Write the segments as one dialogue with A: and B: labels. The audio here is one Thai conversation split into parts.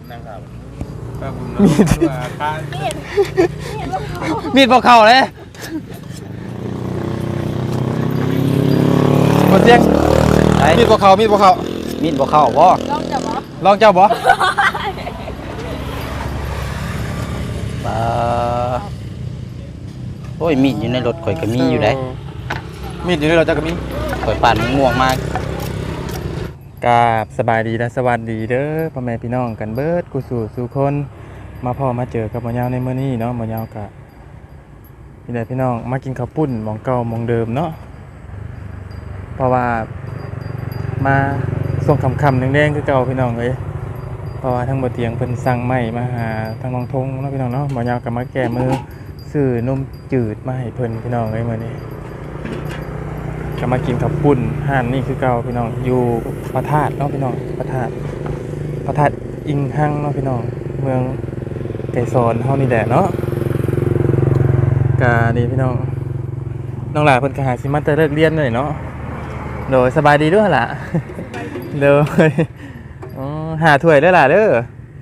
A: นั่งครับ
B: มีดบอกเข่าเลยหมดเสียงมีดบอกเข่ามีดบอกเข่ามีดบอกเข่าบ่ลองเจ้าบ่โอ้ยมีดอยู่ในรถข่อยก็มีอยู่ได้มีดอยู่ในรถเจ้าก็มีข่อยปั่นง่วงมากกราบสบายดีและสวัสดีเด้อพ่อแม่พี่น้องกันเบิดกูสู่คนมาพ่อมาเจอกับหมอยาวในมื้อนี้เนาะหมอยาวกะพี่ใดพี่น้องมากินข้าวปุ้นหม้องเก่าหม้องเดิมเนาะเพราะว่ามาส่งคำแดงๆคือเก่าพี่น้องเอ้ยเพราะว่าทั้งบ่เตียงเพิ่นสั่งไม้มาหาทางน้องทงเนาะพี่น้องเนาะหมอยาวก็มาแก้มือซื้อนมจืดมาให้เพิ่นพี่น้องเอ้ยมื้อนี้ก็มากินข้าวปุ้นห้านนี่คือเก่าพี่น้องอยู่พระธาตุเนาะพี่น้องพระธาตุอิงหังเนาะพี่น้องเมืองไก่ซอนเฮานี่แหละเนาะกะนี่พี่น้องน้องหลาเพิ่นก็หาสิมาแต่เลิกเรียนเลยเนาะโดยสบายดีด้วยล่ะโดยหาถ้วยด้วยล่ะเด้อ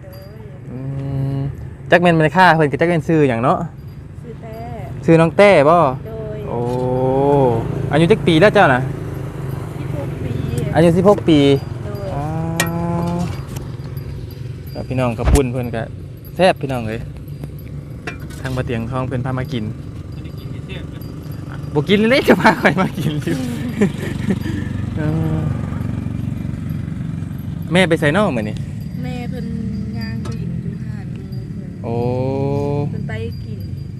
B: จักแม่นมันค่าเพิ่นก็จักแม่นชื่อหยังเนาะชื่อน้องแต้บ่โอ้อายุจักปีแล้วเจ้าน่ะ16 ปีอายุ16 ปีอ๋อแล้วพี่น้องกระปุ้นเพิ่นก็แซ่บพี่น้องเอ้ยทางบ่เตียงทองเพิ่นพามากินบ่กินเลยจะพาใครมากินอยู่แม่ไปใส่นอกมื้อนี้
C: แม่เพิ่นย่างไปกินอยู่หาดมือเพิ่น
B: โอ้
C: เพิ่นไปกิน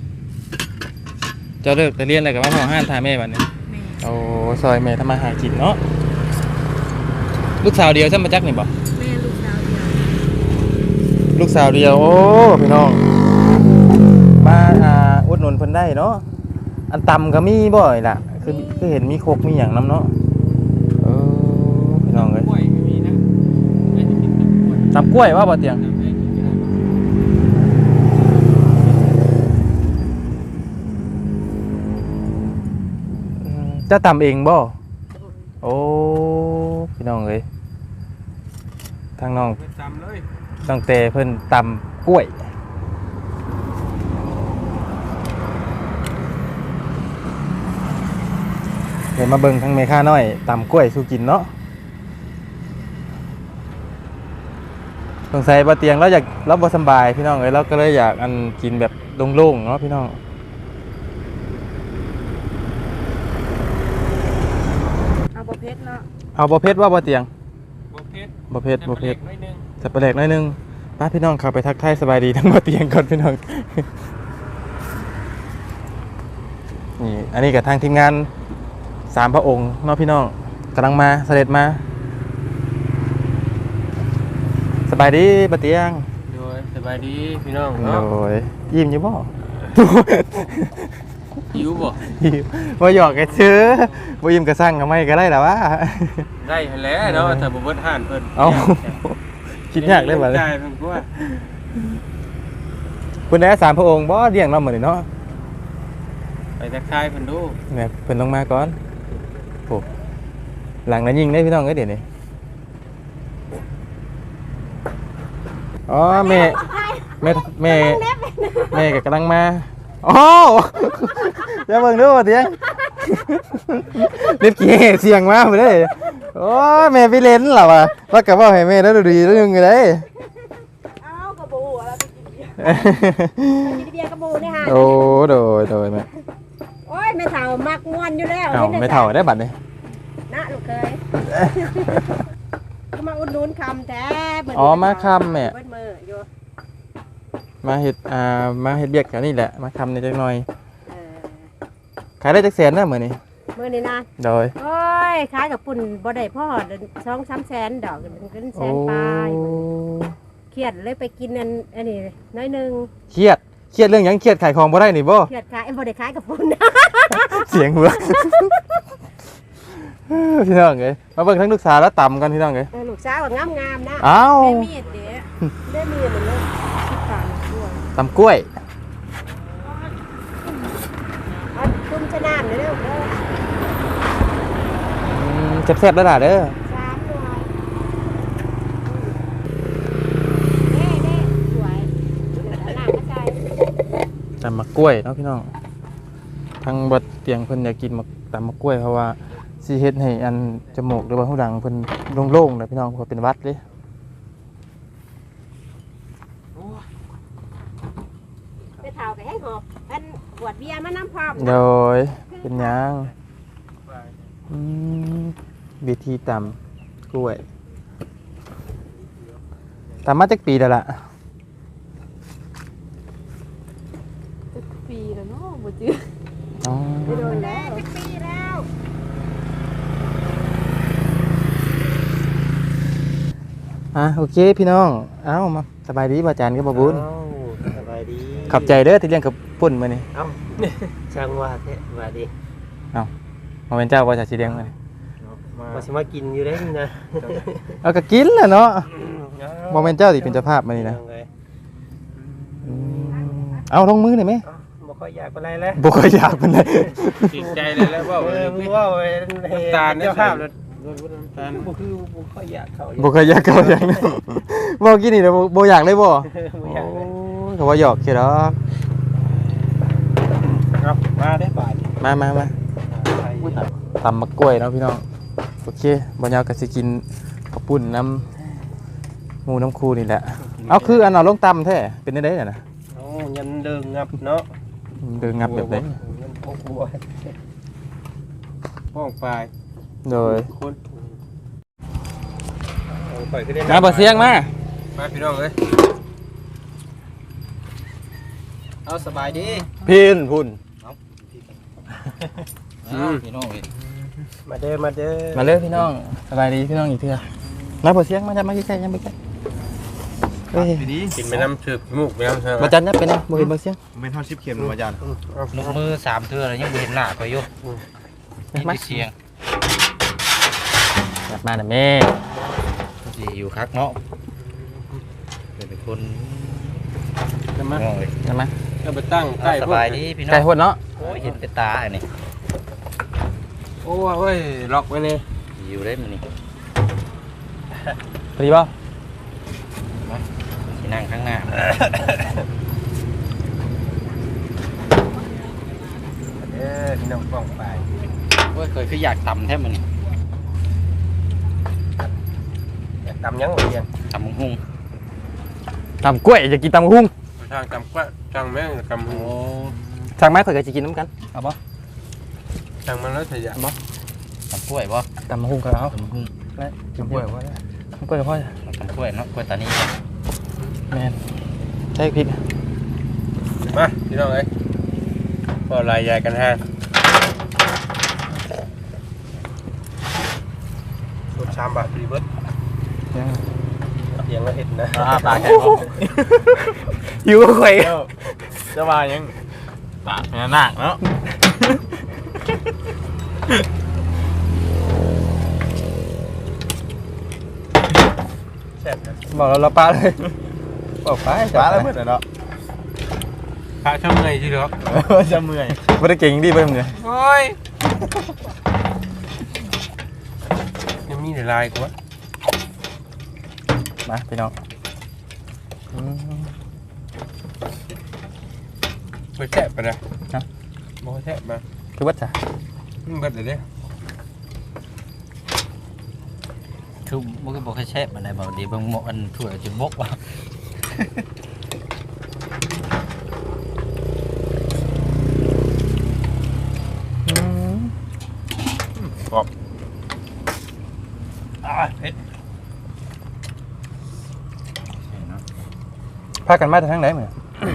B: เจ้าเลิกแต่เรียนแล้วก็มาเฮาห้านทาแม่บัดนี้โอ้ซอยแม่ทำมาหากินเนาะลูกสาวเดียวซั่นมาจักนี่บ่
C: แม่ลูกสาวเดียว
B: ลูกสาวเดียวโอ้พี่น้องมาอุดหนุนเพิ่นได้เนาะอันตำก็มีบ่อยล่ะคือเห็นมีโคกมีหยังนำเนาะพี่น้องเอ้ยตำกล้วยว่าบ่เตียงจะตำเองบ่โอ้พี่น้องเอ้ยทางน้องตั้งแต่เพิ่นตำกล้วยเดี๋ยวมาเบิ่งทางเมค่าน้อยตำกล้วยสู่กินเนาะสงสัยบ่เตียงเราอยากเราบ่สบายพี่น้องเอ้ยเราก็เลยอยากอันกินแบบโล่งๆเนาะพี่น้อง
C: เอาบ่เผ็ดเนาะ
B: เอาบ่เผ็ดว่าบ่เตียงบ่เผ็ด
A: 1
B: จะไปแลกหน่อยนึงป้าพี่น้องเข้าไปทักทายสบายดีทั้งบ่เตียงก่อนพี่น้องนี่อันนี้กับทางทีมงาน3 พระองค์เนาะพี่น้องกำลังมาเสด็จมาสบายดีบ่เตียง
A: โดยสบายดีพี่น้อง
B: โดยยิ้มอยู่บ่
A: หิวบ่
B: บ่หยอกแกซื้อบ่ยิ้มก็สั่งก็ไม่ก็ได้ล่ะวะ
A: ได้แล้วเนาะถ้าบ่เบิดห่านเพิ่น
B: เอ้าคิดยากเลยบัดนี้
A: ได้เพิ่นกว่า
B: เพิ่นได้3 พระองค์บ่เลี้ยงเรามื้อนี้เนาะ
A: ไปทักทายเพิ่นดู
B: เนี่ยเพิ่นลงมาก่อนโอ้หลังนั้นยิงได้พี่น้องเอ้ยเดี๋ยวนี้อ๋อแม่ก็กำลังมาโอ้อย่าเบิ่งดูเตียงเล็บขี้เสียงมาบ่ได้โอ้แม่ไปเล่นล่ะว่ะว่าก็เว้าให้แม่แล้วดีแล้วนึงได้
C: เอ้ากระบูอะไรไปกินเบียร์กระบูนี่ฮะ
B: โอ้โดยแม่
C: โอ้ยแม่เฒ่ามักม่วนอยู่แล้ว
B: เอ้าไม่เฒ่าได้บัดนี้
C: นะลูกเคยมาอุดหนุนคำแท้
B: อ๋อมาคำแม่
C: เบิดมืออยู่
B: มาเฮ็ดเบียกกันนี่แหละมาคำนิดจักหน่อยขายได้จักแสนนะมื้อนี้
C: นะ
B: โดย
C: โอ้ยขายกับปุ่นบ่ได้พ่อ2-3 แสนดอกเงินแสนปลายเครียดเลยไปกินอันนี้น้อยนึง
B: เครียดเรื่องหยังเครียดขายของบ่ได้นี่บ่
C: เครียดขายบ่ได้ขายกับปุ่น
B: เสียงเหือกพี่น้องเอ้ยมาเบิ่งทั้งลูกสาวแล้วต่ำกันพี่น้องเอ้ย
C: ลูกสาวงามๆนะ
B: อ้าว
C: ได้มีดเด้ได้มีดเลยคิดตามด้วย
B: ตำกล้วย
C: คุณชนะเด้อ
B: แซ่บๆแล้วล่ะเด้อ
C: 3 หน่วย
B: ำมะกล้วยเนาะพี่น้องทางบัดเตียงเพิ่นอยากกินตำมะกล้วยเพราะว่าสิเฮ็ดให้อันจมูกหรือว่าหูดังเพิ่นโล่งๆนะพี่น้องเพราะเป็นหวัดเด้
C: ไปเฒ่าก็ให้หอบอันบวดเบียร์มาน้ำพร้อม
B: โดยเป็นหยังวิธีตำกล้วยตำมาจักปีแล้วล่ะ
D: ปีแล้วเนาะบ่จื้อ
B: อ๋อ
C: โดนแล้วจักปีแล้ว
B: โอเคพี่น้องเอ้ามาสบายดีบ่อาจารย์กับบ่บุญ
E: สบายดี
B: ขอบใจเด้อที่เลี้ยงกับปุ่นมื้อนี้
E: เอ้าช่างว่าแท้สบายดี
B: มาเป็นเจ้าบ่จะสิเลี้ยงมื้อนี้
E: ว่าสิมากินอยู่ได้นี่นะ
B: เอาก็กินแหละเนาะบ่แม่นเจ้าสิเป็นเจ้าภาพมื้อนี้นะ
E: ยังไง
B: เอาลงมือหน่อยไหม
E: เอ้าบ่ค่อยอยากปานใดแล้ว
B: บ่ค่อยอยากปานใด
A: ติดใจเลยแล้วว่า
E: มึงว่าเฮ็ด
A: ตาล
E: เจ้าภาพแล้ว
A: ตาล
E: บ่คือบ่ค่อยอยากเข้า
B: บ่ค่อยอยากเข้าอย่างนั้นบ่กินนี่แล้วบ่อยากเลยบ่
E: บ่อยาก
B: โอ้ยก็ว่าหยอกแค่ดอก
E: ครับมาได้บาท
B: มา ตำมะกล้วยเนาะพี่น้องโอเคบ่ยาวก็สิกินข้าวปุ้นน้ำหมูน้ำคูนี่แหละเอาคืออันเอาลงตำแท้เป็นได้น่ะนะ
E: โอ้ยันเดิงงับเนาะ
B: เดินงับแบบใด
E: ยันพกบัว
A: ห้องปลาย
B: โดย
A: คน
E: เอาปล่อยขึ้นได้
B: มาบ่เสียงมา
A: มาพี่น้องเอ้ย
E: เอาสบายดี
B: พินพุ่น
A: พี่น้องเอ้ย
E: มาเด้อมาเด้อ
B: มาเลยพี่น้องสบายดีพี่น้องอีกเทื่อมาบ่เสียงมาจับมาใกล้ๆยังไปใกล้เฮ้ย
A: กินไปน้ำชืบจมูกไปน้ำใช่ไหม
B: มาจันยับไปนะบ่เห็นบ่เสียง
F: ไม่เท่าชิปเข็มมาจาน
G: นกมือ3เทื่อแล้วยังบ่เห็นหน้าข่อยอยู่มีแต่เสียง
B: กลับมาน่ะแม่
G: สิอยู่คักเนาะเป็นคน
A: จะมา
G: น้องเอ้ย
B: กลับมา
A: จะไปตั้งใกล้
G: สบายดีพี่น้อ
B: ไก่
G: ง
B: หดเนาะ
G: โอ้ยเห็นแต่ตาอันนี้
A: โอ้ยเว้ยล็อกไว้เลย
G: อยู่ได้มื้อนี้
B: พอดีบ่
G: สินั่งข้างหน้า
A: เด้อพี่น้องป้องปลาย
G: โอ้ยเคยคืออยากตำแท้มื้อนี้
E: อยากตำยังบ่เรียน
G: ตำหุ่ง
B: ตำกล้วยจะกินตำหุ้ง
A: ทางจำกว่าจังแม่งจำหู
B: สั่งไม้ข่อยก็สิกินน้ำกันเอาบ่
A: จังมันแล้วเสียบ่
G: ตำกล้วยบ่
B: ตำหุ้งก็เอา
G: ตำหุ่ง
B: และกินกล้วยบ่ได้ตำกล้วยกับพ่อ
G: ตำกล้วยเนาะกล้วยตานี
B: แม่นใช่พริก
A: มาพี่น้องเอ้ยพอลายใหญ่กันฮะ
E: สูตร3บาทรีเบิร์ด
B: ยัง
E: เสียงละเห็ดนะ
B: ปากแข็งหิวข่อยจะมายังปากแม่นากเนาะ
E: แซ่บนะ
B: บอกเราปลาเลยบอกไป
F: ปลาแล้วเมื่อไหร่เนาะ
A: พระช่างเงยที่เหรอ
F: จะเมื่อย
B: ไม่ได้เก่งดีไปมึงเลย
A: โอ้ยยังมีหลายกว่า
B: มาพี่น้อง
A: ไปแทะไปเลยบ่แทะมา
B: คือวัดจ้ะ
A: เบิดเลยเด้
G: คือบ่คือบ่เคยแซ่บอันใดบ่ดีเบิ่งหมออันถ้วยสิบกว่า
E: เผ็ด
B: พากันมาจากทางไหนเหมือน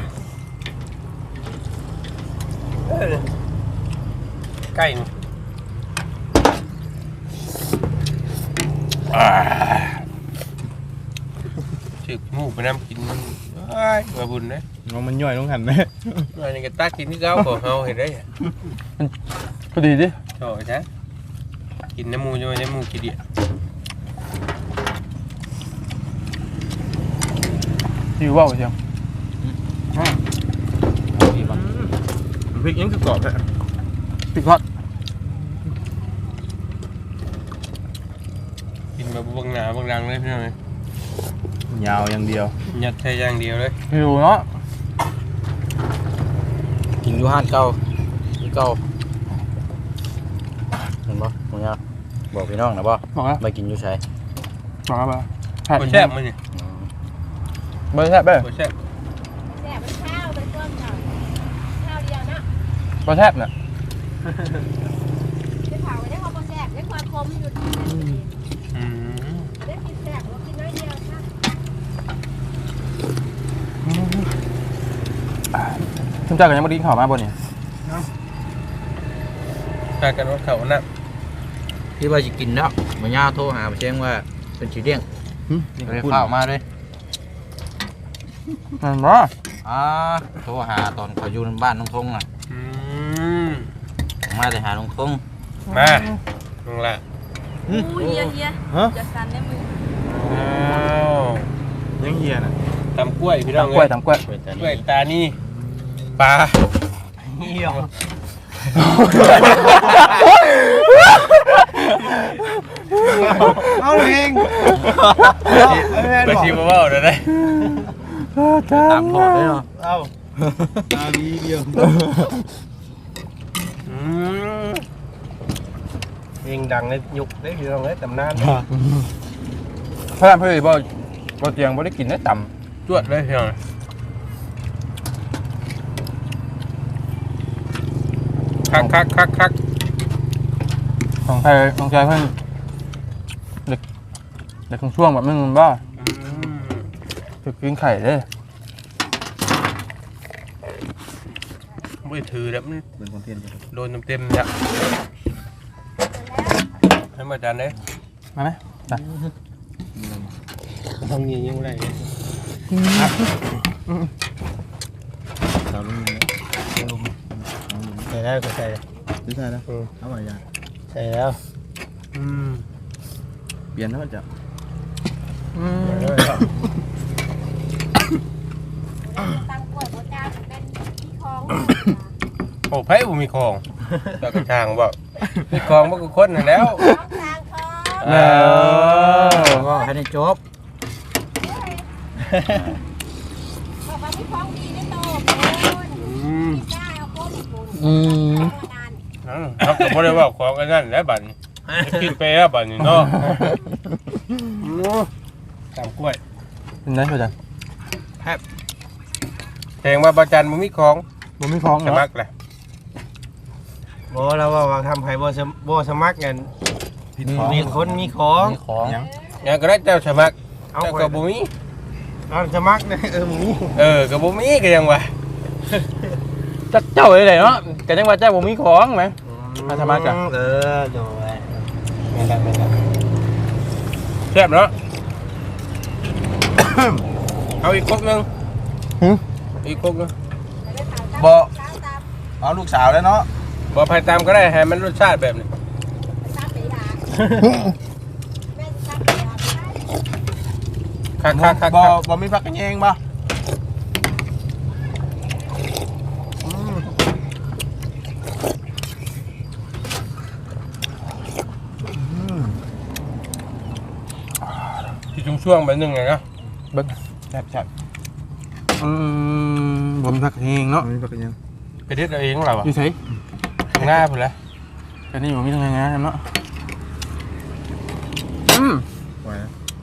E: ใกล้นี่
A: ชืบจมูกไปน้ำกินเอ้ยมาบุญนะ
F: น้องมันย่อยน้องหันไหม
A: อันนี้ก็ตากินที่เก้าของเฮาเห็นได้
B: พอดีดิ
A: ชอบใช่กินน้ำมูจะมาน้ำมูกี่เดีย
B: หิวว่าวเชียว
F: พริกยังคือกรอบแท้
B: ปิดฮอต
A: กินแบบบางหนาบางดังเลยพี่น้อง
F: ยาวอย่างเดียว
A: ยัดใช้อย่างเดียวเลย
B: หิวเนาะ
G: กินอยู่ห้านเก่าที่เก่าเห็นบ่มึงเนี่ยบอกพี่น้องนะบ่
B: บอกแล้ว
G: ไปกินอยู่ใช่
B: บอกแล้ว
E: บ่แซ่บมั้ยนี่
B: ไม่แซ่บเด้อ
E: บ่แซ่บ
C: แซ่บเป็นข้าวเป็นต้นข้าวข้าวเดียวนะ
B: บ่แซ่บน่ะ
C: ได้เผาไว้ได้ความแซ่บได้ความคมอยู่ที่
E: อืม
C: ได้กินแซ่บเรากินน้อยเดียวนะ
B: คุณเจ้าก็ยังบ่ได้กินข้าวมาบ่นี่
E: ถ้ากันว่าเขาน่ะ
G: ที่ว่าจะกินแล้วมาย่าโทรหามาแจ้งว่าเป็นสีเดี้ยงเลยข้าวมาเลย
B: นั่นบ่
G: โทรหาตอนเขาอยู่บ้านน้องทงน่ะ
E: อืม
G: มาแต่หาน้องทง
E: มาลงละ
D: อู้เฮียเฮีย
F: ฮะ
D: จะสั่นได้มือ
E: อ้าว
F: ยังเฮียน่ะ
E: ตำกล้วยพี่น้อง
B: ตำกล้วยตำกล้วย
G: ไปแต่
E: กล้วย
G: นี่
E: ตานี่ปลาเหี่ยว
F: เอาเอง
E: ไปชิมเบาๆเดี๋ยวได้
G: ตามโทษเลยเนาะ
F: เอาตาดีเดียว
E: อืมเพลงดังในยุคได้พี่น้องเลยตำนาน
B: พระรามเพิ่นบ่เตียงบ่ได้กินได้ต่ำ
E: จวดเลยพี่น้องคัก
B: ของใครของใจเพิ่นเด็กของช่วงแบบมันบ่
E: อืม
B: ถึกกินไข่เด้
E: ไม่ถือแล้วมัน
F: เป็นคอนเทนต์
E: โดนเต็มๆเนี่ยให้มาจานได้
B: มาไหมมา
E: ทำยังไง
F: สาวลุง
E: ใส่แล้วก็ใส่
F: ไม่ใช่แล้วเอาไว้ยา
E: ใส่แล้วอืม
F: เปลี่ยนแล้วจะ
C: ตั้งกล้วยโบจ้าเป็นที่คลอง
E: โอ้ไผ่บุมีของตากระชางบ่มีของบ่ก็คนนั่นแล้ว
C: คลองทางคลอง
B: แล้ว
G: ก็ให้ได้จบ
C: บอกว่าที่คลองดีได้โตคุณ
E: อืม
C: กล้าเอาโค้งคุณ
E: นั่นครับก็บ่ได้ว่าของกันนั่นแหละบัดนี้กินไปแล้วบัดนี้เนาะตามกล้วย
B: เป็นไงพ่อจัน
E: แพงว่าประจันบ่มีของ
B: บ่มีของ
E: ส
B: เนาะ
E: มัครแหละบ่เราว่าทำให้บ่สมัครกัน
F: ผิดของ
E: มีคนมีของ
G: มีของ
E: อย่างก็ได้เจ้าสมัครเจ้าก็บ่มีเอาสมัครเนี่ยมีก็บ่มีก็ยังว่า
B: เจ้าเลยเนาะก็จังว่าเจ้าบ่มีของแหม มาสมัครจ้ะ
E: โดยไม่ได้แซ่บเนาะ เอาอีกครกนึงอีกครกนึง
F: บ่เอาลูกสาวแล้วเนาะ
E: บ่ไผ่ตามก็ได้ให้มันรสชาติแบบนี้
C: ตามไปหาแม่ตามไปหาได้
E: คัก
F: บ่มีพักกันเองบ่
E: ที่ช่วงๆแบบนึงไงนะ
B: เบิ่ง
F: แซ่บ
B: บ่มีผักเองเนาะ
F: บ่มีพักกันเอง
E: ไปเด็ดเอาเองเราอ่ะ
B: อยู่ไส
E: ข้างหน้าพุ่นแหละ
B: อันนี้บ่มีทางไงนะเนาะ
F: ไว้นะ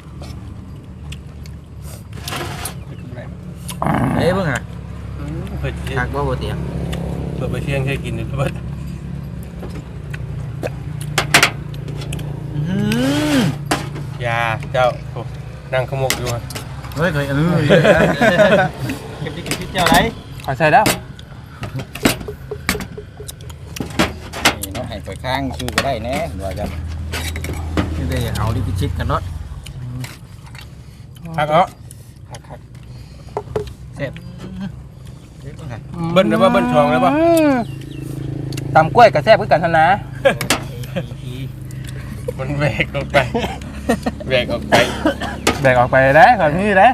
G: เอ้ยเบิ่งอ่ะ
E: เปิด
G: ทักว่าบ่เตียง
E: ไปเชียงเคยกินอยู่เปิดยาเจ้านั่งขมกอยู่
G: เฮ้ยเคย
E: เก็บที่เจ้าไร
B: ขอใส่แล้ว
G: นี่เนาะให้ไปข้างชื่อก็ได้แน่ว่าจะไม่ได้เอาลิขิตกันเนาะ
E: คักเอา
G: เสร็จ
E: เบิ้ลได้ป่ะเบิ้ลช่องได้ป่ะ
B: ตำกล้วยกับแซ่บคือกันทันนะ
E: มันแหวกออกไปแหวกออกไป
B: แบกออกไปได้ก่อนนี่ได้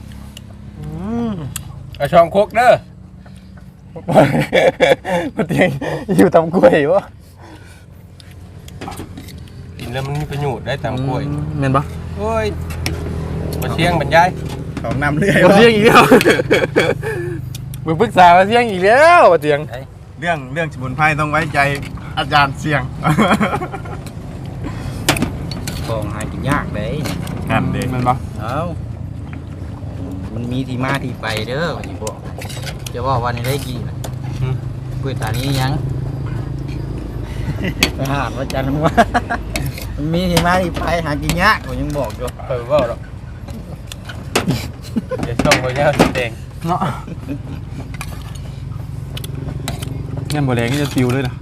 E: เอาช่องโคกเด้อ
B: มาเตียงอยู่ตำกล้วยวะ
E: กินแล้วมันมีประโยชน์ได้ตามกล้วย
B: เมนปะ
E: โอ้ยมาเชียงบรรยาย
F: ของนำเรื่อย
B: มาเตียงอีกแล้วมึงปรึกษามาเสียงอีกแล้วเสียง
F: เรื่องสมุนไพรต้องไว้ใจอาจารย์เสียง
G: ของหากินยากเด้
F: กันเด็ก
B: มันบ่
G: เอ้ามันมีที่มาที่ไปเด้อว่าสิบอกจะว่าวันนี้ได้กี่น่ะก๋วยตานี้ยังอาหารว่าจันทร์ว่ามันมีที่มาที่ไปหากินยากผมยังบอกอยู่
A: เปิดว่าหรอกเดี๋ยวช่องไว้ยาวสีแดง
B: เนาะเงี้ยบ่แรงนี่จะปิวเลยนะ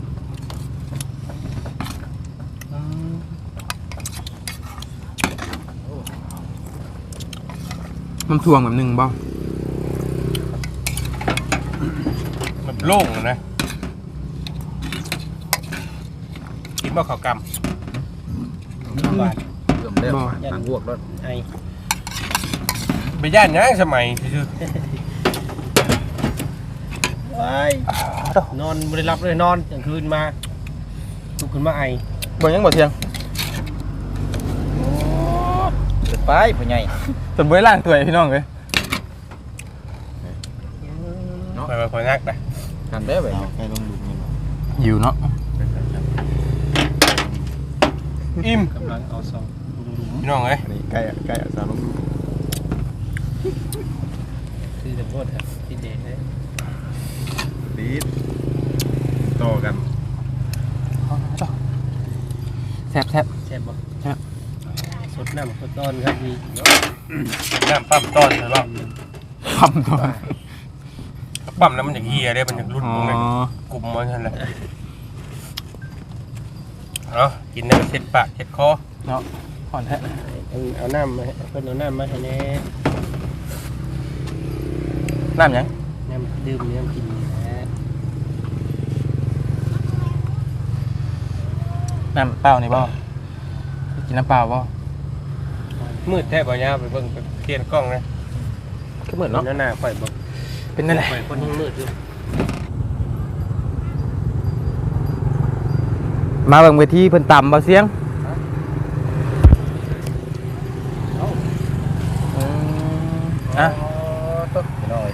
B: มันถ่วงแบบหนึงบ่
A: มันโล่งนะกินบ่ข้าวกำหวาน
G: เริ่มเริ่มยันบวกรถ
A: ไอ้ไปย่านยังสมัยคือน
E: อนไม่ได้รับเลยนอนกลางคืนมาลุกขึ้นมาไอ
B: บ่ยังบ่เที่ยง
G: ไปผู้ใหญ่
B: จนบ่ได้ล้างถ้วยพี่น้องเอ้ย
A: ไปไปนักนะ
G: ทำได้ไหม
F: ใครลงดูนี่
B: อยู่เนาะ
A: อิ่ม
E: กำลังเอาซอง
A: พี่น้องเอ้ย
F: อันนี้ใกล้สาวลงดู
E: ที่จะโทษครับที่เดชเลย
F: ดีดต่อกัน
B: แซ่บ
E: แช่บบ่สดน้ำสดต้อนครับมี
A: น้ำปั๊มต้อนใช่ป่ะ
B: ๆทำตัว
A: ปั๊มแล้วมันจะเฮียได้มันจะรุ่น
B: อ๋อ
A: ตรงไหนกลุ่มมันนั่นแหละเอากินได้เช็ดปากเช็ดคอ
B: เนาะอ่อนแท้
E: เอาน้ำมาให้เพิ่นเอาน้ำมาให้แน่
B: น้ำหยัง
E: น้ำดื่มน้ำกินนะ
B: น้ำเปล่านี่บ่กินน้ำเปล่าบ่
A: มืดแทบบ่ยาวไปเบิ่งไปเทียนกล้องนะ
B: ก็เหมือนเนาะ
E: หน้าข่อยบ่
B: เป็นนั่นแหละ
E: ข่อยคนยังมืดอยู่
B: มาเบิ่งเวทีเพิ่นต่ำบ่เสียงอ่ะ
G: น้อย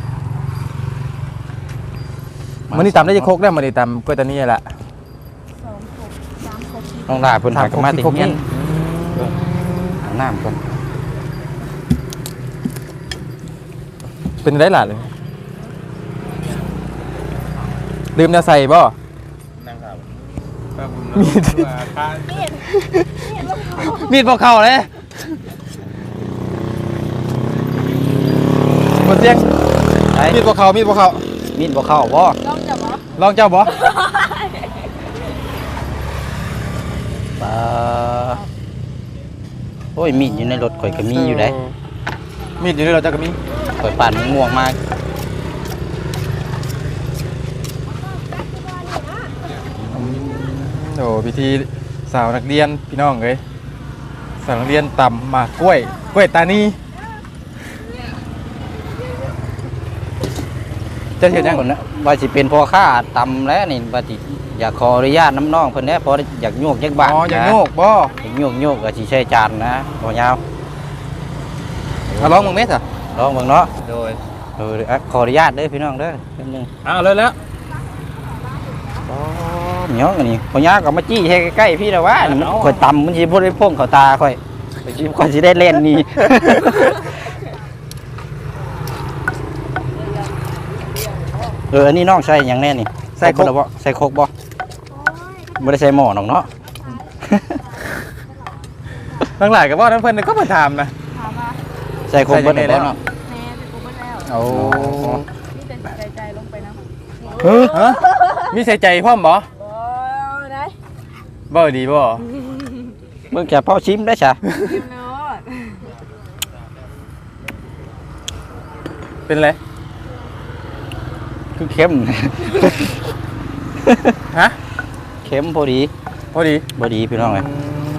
B: มื้อนี้ต่ำได้จะโคกได้มื้อนี้ต่ำก็ตอนนี้แหละ
G: น้องดาเพิ่นหากนมาติ
B: โคก
G: เงี้ย
B: นี่
G: น้ำก่อน
B: เป็นได้หล่ะเลยลืมแนวใส่บ่
A: นั่งครับป้าบุญนะว่าทาน
B: มีดบ่เข้าเลยบ่เสียงมีดบ่เข้า
G: มีดบ่เข้าบ่
B: ลองเจ้าบ่
G: โอ้ยมีดอยู่ในรถข่อยก็มีอยู่ได้
B: มีดอยู่ในรถเจ้าก็มี
G: ข่อยปั่นม่วงมาก
B: โอ้พิธีสาวนักเรียนพี่น้องเอ้ยสาวนักเรียนต่ำหมากกล้วยตานีจะเห็นยัง
G: คนนะว่าสิเป็นพ่อค้าตำแล้วนี่ว่าสิอยากขออนุญาตน้ำน้องเพิ่นแหน่พออยากโยกจักบาท
B: อ๋ออย่างโยกบ่
G: อยากโยกก็สิใช้จานนะบ่ยาว
B: เอาร้องมึงเม็ดอ่ะ
G: ลองเบิ่งเนาะ
A: โดย
G: ขออนุญาตเด้อพี่น้องเด้อแป๊บนึง
B: เอาเลยแล้ว
G: เนาะอันนี้บ่ยาวก็มาจี้ให้ใกล้ๆพี่แล้วว่านี่มันข่อยตำมันสิบ่ได้พ่งเข้าตาข่อยข่อยสิได้เล่นนี่ อันนี้น้องใส่หยังแน่นี่
B: ใส่โคก
G: บ่ใส่โคกบ่บ่ได้ใส่หม้อน้องเนาะ
B: ทั้งหลายกับว่าทั้งเพื่อนก็มาถามนะ
G: ใส่โคกเบิดได้บ่เนาะ
D: แม่ไปกูเบิดแล้ว
G: โอ้
D: นี่แต่ใจลงไปนะ
B: ฮะมีใส่ใจพ่อมบ่
D: บ่ได้
B: บ่ดีบ่
G: เบิ่งจะเผาชิมได้ซะ
D: กินโลด
B: เป็นไร
G: คือเข้ม
B: ฮะ
G: เข้มพอดี
B: พอดี
G: บ่ดีพี่น้องเอ้ย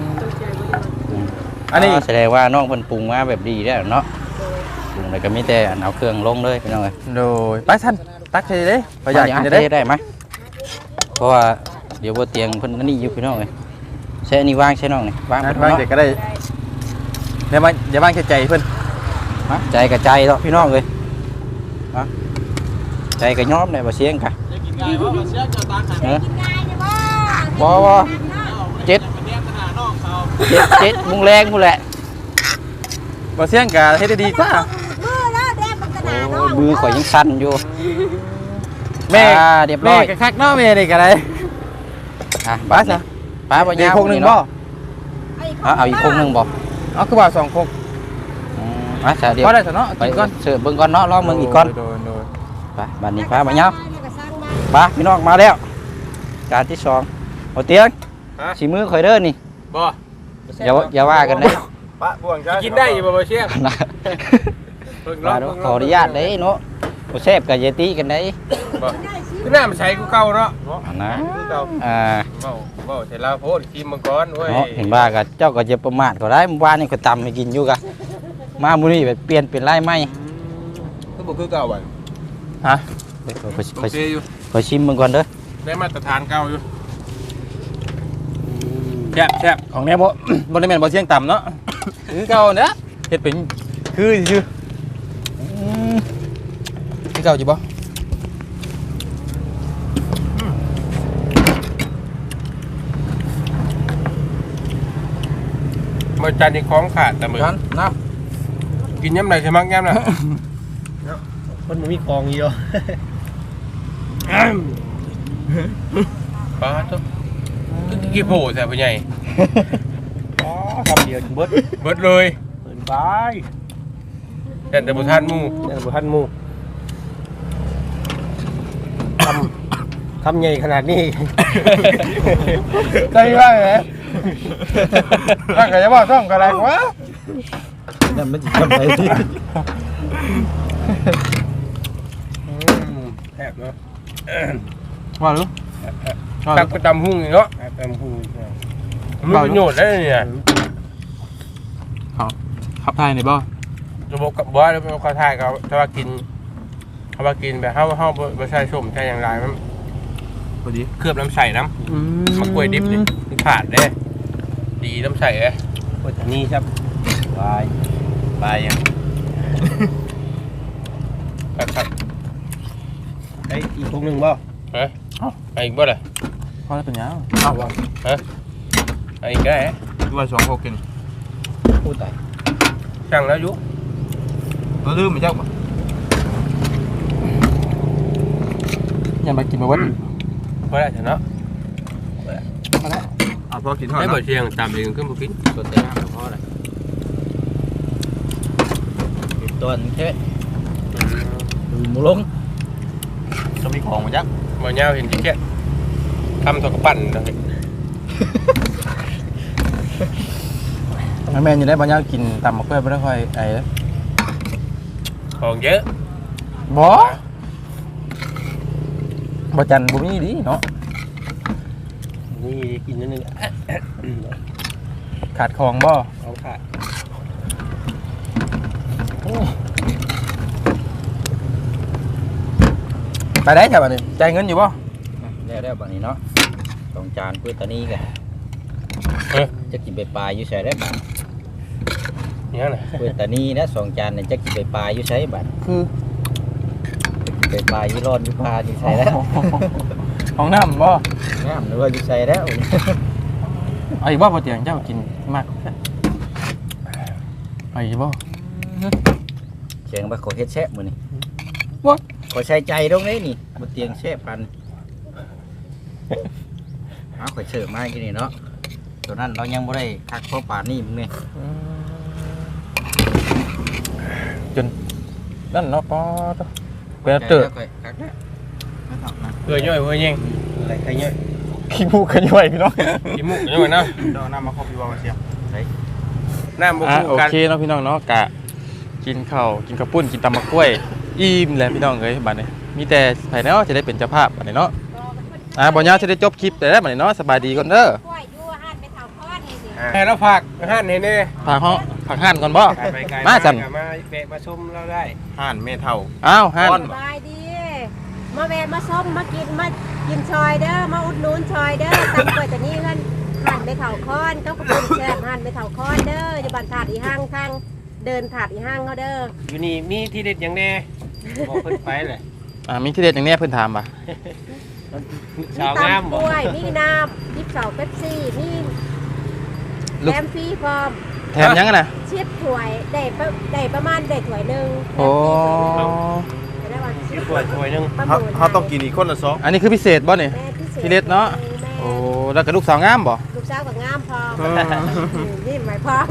B: อันนี้
G: แสดงว่าน้องเพิ่นปรุงมาแบบดีแล้วเนาะปรุงแล้วก็มีแต่เอาเครื่องลงเลยพี่น้องเอ้ย
B: โดยไปท่านตักใส่เลยประหยัดกินจะ
G: ได้
B: ได้
G: ได้ไหมเพราะว่าเดี๋ยวบ่เตียงเพิ่นอันนี้อยู่พี่น้องเอ้ยใช้อันนี้วางใช้น้องนี่วาง
B: นะ
G: เพิ่น
B: บาง
G: เนาะ
B: เด็กก็ได้เดี๋ยวอย่าบ้างแค่ใจเพื่อน
G: ฮะใจกับใจเนาะพี่น้องเอ้ยฮะใจก็ยอมเลยบ่เสียงกะ
F: จะกินง่ายว่าเสียเจ้าตาขัน
C: กินง่ายเนี่ยบ่
G: บ่เจ็ดมุงแรงพู้นแหละ
B: บ่เสียงกะเฮ็ดได้ดีกว่า
C: มือแล้วแดงมันกระดาษ
G: โอ้
C: เนาะ
G: มือข่อยยังสั่นอยู่
B: แม่
G: เรียบร้
B: แม่
G: อย
B: ก็คักเนาะแม่นี่ก็ได้
G: อ่ะ
B: ป้าซะ
G: ป้าบ่
B: อี
G: ยาก ว
B: พวกนึงบ่
G: เอาอีกคงนึงบ่
B: เอาคือว่า2คก
G: อ่ะซะเดี๋ยว
B: พอได้ซะเนาะ
G: ไป
B: กินก่อน
G: เสิร์ฟเบิ่งก่อนเนาะลองเบิ่งอีกก่อน
B: โดย
G: ไปบัดนี้ป้าบ่ยาวป้าพี่น้องมาแล้วจานที่2เอาเตียงสิมือข่อยเด้อนี่
E: บ่
G: อย่าว่ากันเด้
F: ปะบ่วงจ้า
E: กินได้อยู่บ่เชียง
G: นะ
E: เพิ่ง
G: มาดูขออนุญาตเด้เนาะบ่แซ่บก็อย่าตีกันเด้
E: บ่คือน้ำใช้กูเก่าเนาะ
G: อันนะ
E: เก่า เว้าเสร็จแล้วโพดชิมมังกรเว้ย
G: เนาะเห็นว่าก็เจ้าก็จะประมาทก็ได้เมื่อวานนี่ก็ตำให้กินอยู่กะมามื้อนี้แบบเปลี่ยนเป็นลายใหม่
F: คือบ่คือเก่าบ่
B: ฮะ
G: เดี๋ยว
E: โอเคอยู่
G: ขอชิมมึงก่อนเด้อ
E: ได้มาตรฐานเก่าอยู่
B: แซ่บของแน่บ่ บ่ได้แม่นบ่เสียงต่ำเนาะคือเก่าเด้อเฮ็ดเป็นคือซื่อคือเก่าอยู่บ่
E: มาจานนี้ของขาดแต่มือ
B: กันน้
E: กินย้ำไหนใช่มั้งย้ำน่ะ
F: มันมีกองอยู่
E: ปลาตุ๊กกี่โผล่แซ่บใหญ่
F: อ๋อทำเดียวเบิด
E: เบิดเลย
F: เปิดไป
E: แต่บุทานหมู
F: เนี่ยบ่ทันหมู่คำใหญ่ขนาดนี้
B: ำใจว่าไงถ้าก็จะบอกซ่อมก็ได้วะ
G: นั่นมันสิทำได
E: แซ่บเนาะ
B: ว่าหรือ
E: ตักไปตำหุ่งเนาะตำหุ่งมันประโยชน์ได้เนี่ย
B: ขับไทยนี่บ่
E: ระบบกับบ้านแล้วเป็นข้าวไทยเขาถ้าว่ากินเขาว่ากินแบบเฮาบ่ใส่ส้มใส่อย่างไรมัน
B: พอดี
E: เคลือบน้ำใส่น้ำมะกล้วยดิบนี่มันขาดเด้ดีน้ำใส่เด้
F: โอ้ยนี่ครับบายยัง
E: ครับ
F: ไอ้อีกพวกนึงบ่
E: ฮะไอ้อีกบ่ล่ะ
B: พอแล้วเป็นยัง
E: ไอ้อีกได้
F: ว่า2 6กิน
G: พูดตาย
E: ช่างแล้วยุ
F: บ่ลืมมั้ยเจ้าบ่
B: อย่ามากินมาวัด
E: พอแล้วเนาะ
F: เอาพอกินเท่า
E: ไม่
F: นั้น
E: บ่เชียงตามเองขึ้นบ่กิน
G: สดแต่น้ำพอเลยตัวนึงแค่หมูลง
F: จะมีของมั้ยจ๊ะ
E: บ่ยาวเห็นจิแค่ทำถกปั่นเนาะ
B: แม่อยู่ได้บ่ยาวกินตำมะเขือบ่ได้ค่อยไอ้
E: ของเยอะ
B: บ่บ่จันบ่มีดิเนาะ
F: นี่กินนิดนึง
B: ขาดของบ่
F: ของขาด
B: ไปได้จ้ะบัดนี้จ่ายเงินอยู่บ่
G: แล้วบัดนี้เนาะ2 จานกุ้ยตานีกันจะกินไปปลาอยู่ใส่ได้บัด
E: นี่น่ะ
G: กุ้ยตานีนะ2 จานเนี่ยจะกินไปปลาอยู่ใส่บัด
B: คือ
G: ไปปลาอยู่รอดอยู่ปลาอยู่ใส่แล้ว
B: ของน้ำบ่
G: งามหรือว่าอยู่ใส่แล้ว
B: เอาอีกบ่บ่เตียงเจ้ากินมากเอาอีกบ่
G: เสียงว่าขอเฮ็ดแซ่บมื้อนี้
B: What?
G: ขอใช้ใจตรงนี้นี่บ่เตียงแซ่บปันเอาข่อยเสิร์ฟมากินนี่เนาะตัวนั้นเรายังบ่ได้คักเพราะป่านนี้มึงนี่
B: จนนั่นเนาะปอตเปิดเตอ
G: ข่อยคักนะไม่ต้องนะ
E: เพื่อย่อยเพื่อยิง
F: อะไรใครเยอะ
B: ขี้มูกขย่อยพี่น้อง
E: กินมุกย่อยเนาะ
F: เดี๋ยวน้ำมาครบอยู่ว่าเสีย
E: น้ำบ่
B: อ่ะ
E: คู่
B: โอ
E: กัน
B: เคเนาะพี่น้องเนาะกะกินข้าวกินข้าวปุ้นกินตำมะกล้วยอิ่มแล้วพี่น้องเอ้ยบัดนี้มีแต่ไผเนาะจะได้เป็นเจ้าภาพบัดนี้เนาะบ่ยาวจะได้จบคลิปแต่ได้บัดนี้เนาะสบายดีก่อนเด้อ
C: กล้วยอยู่หันไปเท่าคอนนี่สิ
E: ให้เราฝากหั่นให้แน่
B: ฝากห้องฝากห้านก่อนบ่
E: ไปไกล
B: มาสั่น
E: มาแวะมาชมเราได้
F: ห่านเมทัล
B: อ้าวห้าน
C: สบายดี มาแวะมาส้มมากินชอยเด้อมาอุดหนุนชอยเด้อตำกล้วยแต่นี่เพิ่นหันไปเท่าคอนก็กระปุกแซ่บหันไปเท่าคอนเด้ออยู่บ้านถาดอีห้างทางเดินถาดอีห้างเขาเด้อ
E: อยู่นี่มีที่เด็ดอย่างแน่บอกเพิ่นไปเลย
B: มีที่เด็ดอย่างเนี้ยเพิ่นถามป่ะ
C: มี
A: ชาวงาม
C: ตำก
A: บ่
C: ล้วยมีน้ำมีเสาเป๊ปซี่มีแถมฟรีพร้อม
B: แถมยังกันนะ
C: ชิปถ้วยได้ประมาณได้ถ้วยหนึง
B: โอ้
C: ได้วันชิป
A: ถ้วยนึง
C: ประมูล
F: เขาต้องกินอีกคนละ2
B: อันนี้คือพิเศษบ่นี่
C: แม่พิศษ
B: ที่เล็ดเนาะ
C: แม่
B: โอ้แล้วก็ลูกสาวงามบ่
C: ลูกสาวกับงามพร้อมนี่หมายพร้อม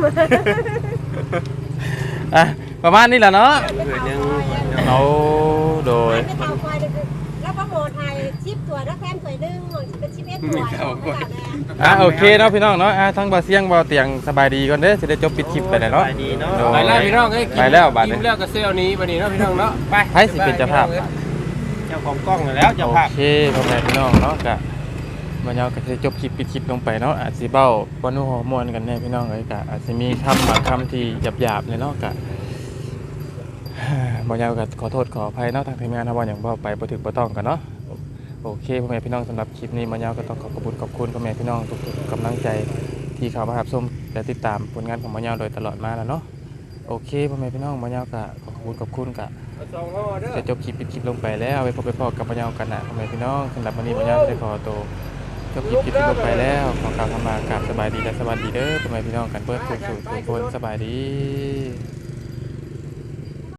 B: อ่ะประมาณนี้แหละเนาะ
A: ถ้วยนึง
B: เอาโดย
C: ไม่เท่าควายเลยแล้วประมูลไทยชิปถ้วยแล้วแถมถ้วยหนึงเป็นชิปเอ็ดถ้วยไม่ต่างแม่
B: โอเคเนาะพี่น้องเนาะทั้งบ่เสียงบ่เตียงสบายดีก่อนเด้อสิได้จบปิดคลิปไปแล้วเนาะ
A: ดีเนาะ
B: โดย
A: ไปแล้วพี่น้องเอ้ย
B: ไปแล้วบาดนี้
A: กินแล้วก็เซลนี้บัดนี้เนาะพี่น้องเนาะไป
B: ให้สิเป็นเจ้าภาพ
A: เจ้าของกล้องแล้วเจ้า
B: โอ
A: ภาพ
B: เคพ่อแม่พี่น้องเนาะก็มันยาวก็สิจบคลิปปิดคลิปลงไปเนาะอาจสิเบ้าบ่นูฮอร์โมนกันแน่พี่น้องเอ้ยก็อาจสิมีคำบางคำที่หยาบๆเลยเนาะก็ บ่ยาวก็ขอโทษขออภัยเนาะทางทีมงานถ้าว่าหยังบ่ไปบ่ถูกบ่ต้องกันเนาะโอเคพ่อแม่พี่น้องสำหรับคลิปนี้บ่ยาวก็ต้องขอบคุณพ่อแม่พี่น้องทุกๆกำลังใจที่เข้ามารับชมและติดตามผลงานของบ่ยาวโดยตลอดมาแล้วเนาะโอเคพ่อแม่พี่น้องบ่ยาวก็ขอบคุณก็
A: สองห่อเด้อ
B: จะจบคลิปปิดคลิปลงไปแล้วไปพบไปพอกับบ่ยาวกันนะพ่อแม่พี่น้องสำหรับวันนี้บ่ยาวจะขอตัวจบคลิปปิดคลิปลงไปแล้วขอกล่าวคำลากราบสบายดีและสวัสดีเด้อพ่อแม่พี่น้องกันเบิดทุกคนสบายดี